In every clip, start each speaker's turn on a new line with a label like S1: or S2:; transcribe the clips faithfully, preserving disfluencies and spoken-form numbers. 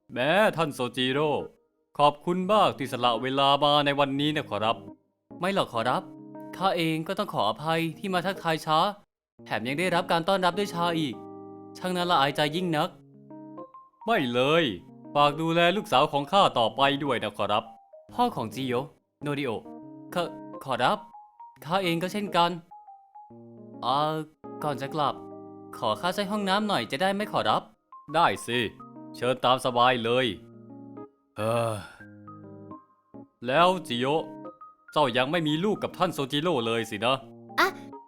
S1: แม้ท่านโซจิโร่ขอบคุณมากที่สละเวลามาในวันนี้นะขอรับไม่หรอกขอรับข้าเองก็ต้องขออภัยที่มาทักทายช้าแถมยังได้รับการต้อนรับด้วยชาอีกช่างน่าละอายใจยิ่งนักไม่เลยฝากดูแลลูกสาวของข้าต่อไปด้วยนะขอรับพ่อของจิโยโนริโอขอขอรับข้าเองก็เช่นกันอ่าก่อนจะกลับขอข้าใช้ห้องน้ำหน่อยจะได้ไหมขอรับได้สิเชิญตามสบายเลยเออแล้วจิโยเจ้ายังไม่มีลูกกับท่านโซจิโร่เลยสินะ
S2: อะ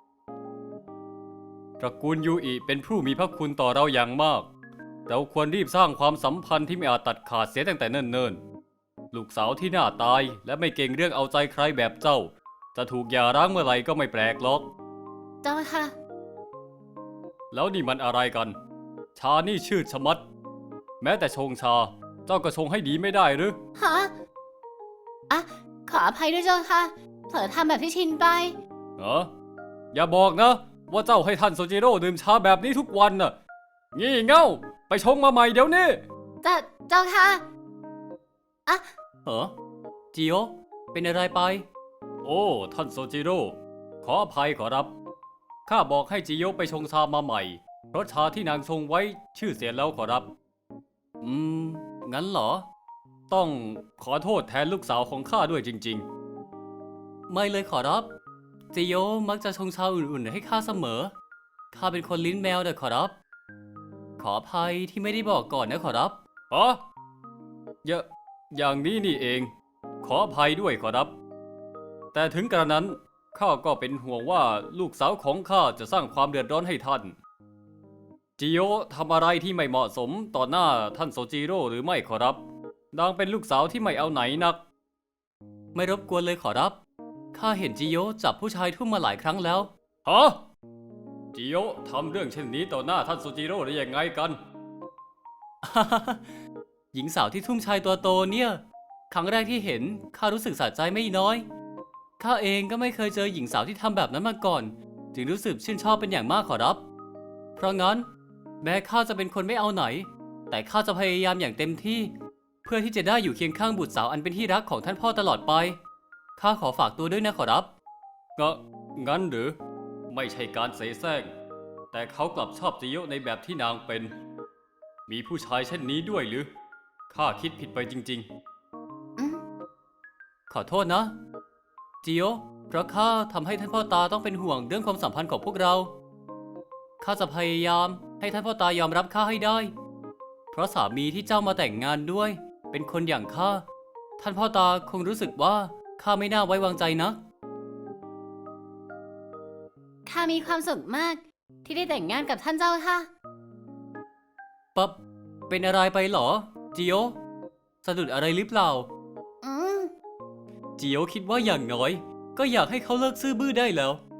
S1: ตระกูลยูอิเป็นผู้มีพระคุณต่อเราอย่างมาก เราควรรีบสร้างความสัมพันธ์ที่ไม่อาจตัดขาดเสียตั้งแต่เนิ่นๆ ลูกสาวที่น่าตายและไม่เก่งเรื่องเอาใจใครแบบเจ้า จะถูกหย่าร้างเมื่อไหร่ก็ไม่แปลกหรอก
S2: เจ้าค่ะ
S1: แล้วนี่มันอะไรกัน ชานี่ชืดชะมัด แม้แต่ชงชา เจ้าก็ชงให้ดีไม่ได้หรือ
S2: ฮะ อะ ขออภัยด้วยเจ้าค่ะ เผลอทำแบบที่ชินไป
S1: เหรออย่าบอกนะ ว่าเจ้าให้ท่านโซจิโร่ดื่มชาแบบนี้ทุกวันน่ะ งี่เง่า ไปชงมาใหม่เดี๋ยวนี้
S2: แต่เจ้าค่ะ อะ
S1: เหรอจิโอเป็นอะไรไป โอ้ ท่านโซจิโร่ขออภัยขอรับ ข้าบอกให้จิโยไปชงชามาใหม่ เพราะชาที่นางชงไว้ชื่อเสียแล้วขอรับ อืม งั้นเหรอ ต้องขอโทษแทนลูกสาวของข้าด้วยจริงๆ ไม่เลยขอรับจิโยมักจะชงชาอุ่นๆให้ข้าเสมอ ข้าเป็นคนลิ้นแมวเด้อขอรับ ขออภัยที่ไม่ได้บอกก่อนนะขอรับอ๋ออย่าอย่างนี้นี่เอง ขออภัยด้วยขอรับ แต่ถึงกระนั้นข้าก็เป็นห่วงว่าลูกสาวของข้าจะสร้างความเดือดร้อนให้ท่าน จิโยทำอะไรที่ไม่เหมาะสมต่อหน้าท่านโซจิโร่หรือไม่ขอรับนางเป็นลูกสาวที่ไม่เอาไหนนัก ไม่รบกวนเลยขอรับ ข้าเห็นจิโยจับผู้ชายทุ่มมาหลายครั้งแล้ว ฮะ จิโยทำเรื่องเช่นนี้ต่อหน้าท่านโซจิโร่ได้ยังไงกัน หญิงสาวที่ทุ่มชายตัวโตเนี่ย ครั้งแรกที่เห็นข้ารู้สึกสะใจไม่น้อย ข้าเองก็ไม่เคยเจอหญิงสาวที่ทำแบบนั้นมาก่อน จึงรู้สึกชื่นชอบเป็นอย่างมากขอรับ เพราะงั้นแม้ข้าจะเป็นคนไม่เอาไหน แต่ข้าจะพยายามอย่างเต็มที่ เพื่อที่จะได้อยู่เคียงข้างบุตรสาวอันเป็นที่รักของท่านพ่อตลอดไป ข้าขอฝากตัวด้วยนะขอรับก็งั้นหรือ ไม่ใช่การเสแสร้ง แต่เขากลับชอบจิโยในแบบที่นางเป็น มีผู้ชายเช่นนี้ด้วยหรือ ข้าคิดผิดไปจริง
S2: อืม
S1: ๆ ขอโทษนะ จิโยเพราะข้าทำให้ท่านพ่อตาต้องเป็นห่วงเรื่องความสัมพันธ์ของพวกเรา ข้าจะพยายามให้ท่านพ่อตายอมรับข้าให้ได้ เพราะสามีที่เจ้ามาแต่งงานด้วย เป็นคนอย่างข้า ท่านพ่อตาคงรู้สึกว่าข้าไม่น่าไว้วางใจนะ
S2: ข้ามีความสุขมาก ที่ได้แต่งงานกับท่านเจ้าค่ะ
S1: ปั๊บ เป็นอะไรไปเหรอ จิโยสะดุดอะไรหรือเปล่า
S2: อืม
S1: จิโยคิดว่าอย่างน้อย ก็อยากให้เขาเลิกซื่อบื้อได้แล้ว